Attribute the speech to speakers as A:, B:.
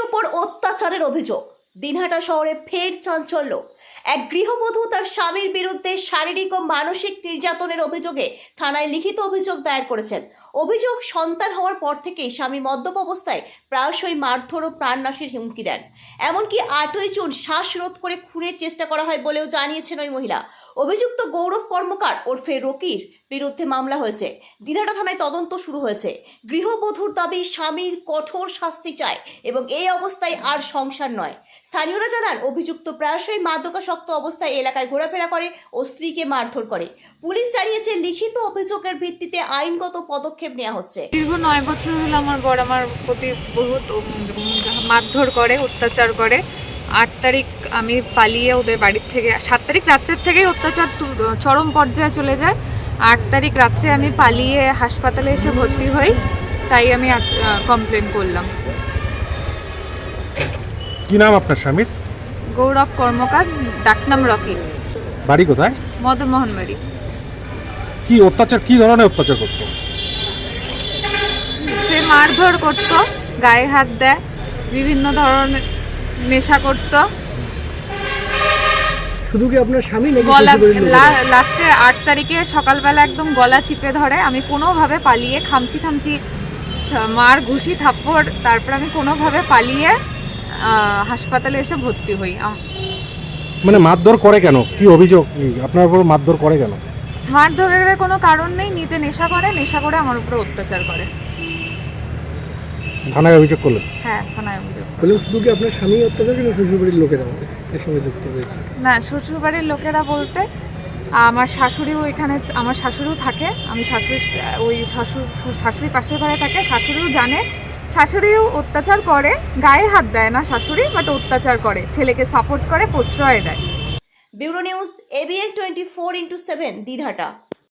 A: ওপর অত্যাচারের অভিযোগ। দিনহাটা শহরে ফের চাঞ্চল্য। এক গৃহবধূ তার স্বামীর বিরুদ্ধে শারীরিক ও মানসিক নির্যাতনের অভিযোগে থানায় লিখিত অভিযোগ দায়ের করেছেন। অভিযোগ, সন্তান হওয়ার পর থেকেই স্বামী মদ্যপ অবস্থায় প্রায়শই মারধর ও প্রাণনাশের হুমকি দেন। এমনকি 8ই জুন শ্বাসরোধ করে খুনের চেষ্টা করা হয় বলেও জানিয়েছেন ওই মহিলা। অভিযুক্ত গৌরব কর্মকার ওরফে রকির বিরুদ্ধে মামলা হয়েছে। দিনহাটা থানায় তদন্ত শুরু হয়েছে। গৃহবধূর দাবি, স্বামীর কঠোর শাস্তি চায় এবং এই অবস্থায় আর সংসার নয়। স্থানীয়রা জানান, অভিযুক্ত প্রায়শই মাদকাসক্ত অবস্থায় এলাকায় ঘোরাফেরা করে ও স্ত্রীকে মারধর করে। পুলিশ জানিয়েছে, লিখিত অভিযোগের ভিত্তিতে আইনগত পদক্ষেপ নেওয়া হচ্ছে।
B: দীর্ঘ 9 বছর হলো আমার বর আমার প্রতি বহুত মারধর করে, অত্যাচার করে। 8 তারিখ আমি পালিয়ে ওদের বাড়ির থেকে, 7 তারিখ রাত্রের থেকেই অত্যাচার চরম পর্যায়ে চলে যায়। 8 তারিখ রাত্রে আমি পালিয়ে হাসপাতালে এসে ভর্তি হই, তাই আমি কমপ্লেন করলাম।
C: কি নাম আপনার স্বামীর?
B: গৌরব কর্মকার, ডাকনাম রকি।
C: বাড়ি কোথায়?
B: মদনমোহন বাড়ি।
C: কি অত্যাচার, কি ধরনের অত্যাচার করতো?
B: সে মারধর করতো, গায়ে হাত দেয়, বিভিন্ন ধরনের নেশা করতো।
D: শুধু কি আপনার স্বামী নাকি
B: গলা লাস্টে 8 তারিখে সকালবেলা একদম গলা চিপে ধরে। আমি কোনোভাবে পালিয়ে খামচি মার ঘুষি থাপ্পড়, তারপর আমি কোনোভাবে পালিয়ে হাসপাতালে এসে ভর্তি হই।
C: মানে মারধর করে কেন? কি অভিযোগ আপনার উপর মারধর করে কেন?
B: মারধরের কোনো কারণ নেই, নিজে নেশা করে আমার উপরে অত্যাচার করে।
C: থানায় অভিযোগ করলেন?
B: হ্যাঁ, থানায় অভিযোগ।
D: বললাম, শুধু কি আপনার স্বামী অত্যাচার করেন, শ্বশুরবাড়ির লোকেরা এর সঙ্গে যুক্ত হয়েছে?
B: না, শ্বশুরবাড়ির লোকেরা বলতে আমার শাশুড়িও এখানে, আমার শাশুড়িও থাকে। আমি শাশুড়ি পাশের ঘরে থাকে। শাশুড়িও জানে, শাশুড়িও অত্যাচার করে, গায়ে হাত দেয় না শাশুড়ি, বাট অত্যাচার করে, ছেলেকে সাপোর্ট করে, প্রশ্রয় দেয়।
A: Bureau news, ABN 24x7, Dinhata.